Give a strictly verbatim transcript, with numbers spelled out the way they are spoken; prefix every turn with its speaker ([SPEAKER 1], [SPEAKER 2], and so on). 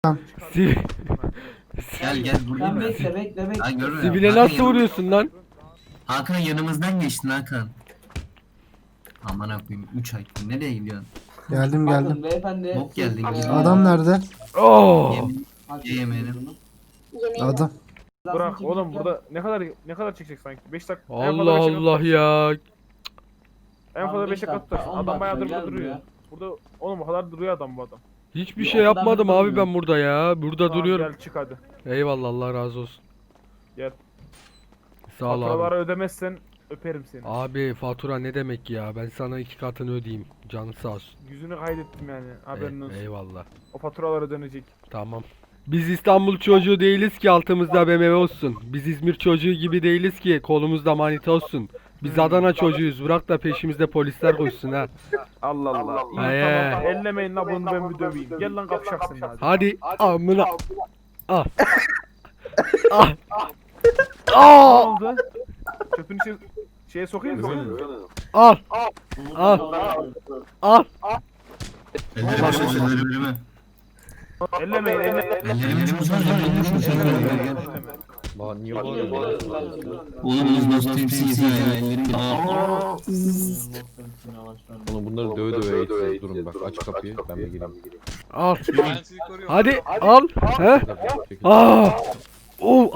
[SPEAKER 1] Siv
[SPEAKER 2] Gel gel
[SPEAKER 3] Sen
[SPEAKER 2] buradayım ben.
[SPEAKER 3] bekle bekle bekle.
[SPEAKER 2] Ha görmüyor.
[SPEAKER 1] Sibile
[SPEAKER 2] Hakan
[SPEAKER 1] nasıl
[SPEAKER 2] yanım-
[SPEAKER 1] vuruyorsun lan?
[SPEAKER 2] Hakan yanımızdan geçtin Hakan. Aman akıyım üç ay. Nereye gidiyorsun?
[SPEAKER 4] Geldim
[SPEAKER 3] Bakın
[SPEAKER 4] geldim.
[SPEAKER 3] beyefendi.
[SPEAKER 2] Bok geldin,
[SPEAKER 3] siz,
[SPEAKER 2] gidiyor.
[SPEAKER 3] eee,
[SPEAKER 4] Adam nerede?
[SPEAKER 1] Oh!
[SPEAKER 2] Yemin
[SPEAKER 3] hak
[SPEAKER 2] yemeyelim.
[SPEAKER 3] ediyorsunuz.
[SPEAKER 4] Adam.
[SPEAKER 5] Bırak
[SPEAKER 3] Zaten
[SPEAKER 5] oğlum
[SPEAKER 3] kimlik
[SPEAKER 5] burada ne kadar ne kadar çekecek sanki? beş dakika. en
[SPEAKER 1] Allah
[SPEAKER 5] fazla beş dakika
[SPEAKER 1] Allah
[SPEAKER 5] tutar.
[SPEAKER 1] ya.
[SPEAKER 5] En fazla
[SPEAKER 3] Abi
[SPEAKER 5] beş
[SPEAKER 3] beş
[SPEAKER 5] dakika
[SPEAKER 3] dakika,
[SPEAKER 5] tutar.
[SPEAKER 3] on
[SPEAKER 5] Adam
[SPEAKER 3] dakika,
[SPEAKER 5] bayağıdır burada
[SPEAKER 3] gel
[SPEAKER 5] duruyor.
[SPEAKER 3] buraya.
[SPEAKER 5] Burada oğlum o kadar duruyor adam bu adam.
[SPEAKER 1] Hiçbir
[SPEAKER 3] Ya
[SPEAKER 1] şey
[SPEAKER 3] oradan
[SPEAKER 1] yapmadım
[SPEAKER 3] bir
[SPEAKER 1] abi
[SPEAKER 3] durmuyor.
[SPEAKER 1] ben burada ya. Burada
[SPEAKER 5] Tamam,
[SPEAKER 1] duruyorum.
[SPEAKER 5] Gel çık hadi.
[SPEAKER 1] Eyvallah, Allah razı olsun.
[SPEAKER 5] Gel.
[SPEAKER 1] Sağ ol
[SPEAKER 5] Faturaları
[SPEAKER 1] abi.
[SPEAKER 5] ödemezsen öperim seni.
[SPEAKER 1] Abi fatura ne demek ya? Ben sana iki katını ödeyeyim. Canı sağ olsun.
[SPEAKER 5] Yüzünü kaydettim yani. Haberin
[SPEAKER 1] E-
[SPEAKER 5] olsun.
[SPEAKER 1] eyvallah.
[SPEAKER 5] O faturalar ödenecek.
[SPEAKER 1] Tamam. Biz İstanbul çocuğu değiliz ki altımızda B M W olsun. Biz İzmir çocuğu gibi değiliz ki kolumuzda manita olsun. Biz Adana çocuğuyuz. Bırak da peşimizde polisler koşsun ha.
[SPEAKER 5] Allah Allah. İyi
[SPEAKER 1] He.
[SPEAKER 5] tamam. Ellemeyin la bunu ben bir döveyim. Gel lan kapışaksın hadi.
[SPEAKER 1] Hadi amına. Ah. Ah.
[SPEAKER 5] Ne
[SPEAKER 1] Ah.
[SPEAKER 5] oldu? Çöpün içine şeye sokayım mı?
[SPEAKER 1] Al. Al. Al.
[SPEAKER 2] Ellerimi çöz ellerimi.
[SPEAKER 5] Ellemeyin ellemeyin.
[SPEAKER 2] Ellerimi çöz ellerimi çöz ellerimi.
[SPEAKER 6] Bana niye bağırıyorsun?
[SPEAKER 2] Oğlum biz nasıl temsilciyiz ya ellerim. Aa.
[SPEAKER 6] Oğlum bunları döve döve eğitiyoruz. Durun bak aç kapıyı ben bir gireyim.
[SPEAKER 1] Al. Hadi al. He? Ah. Oh.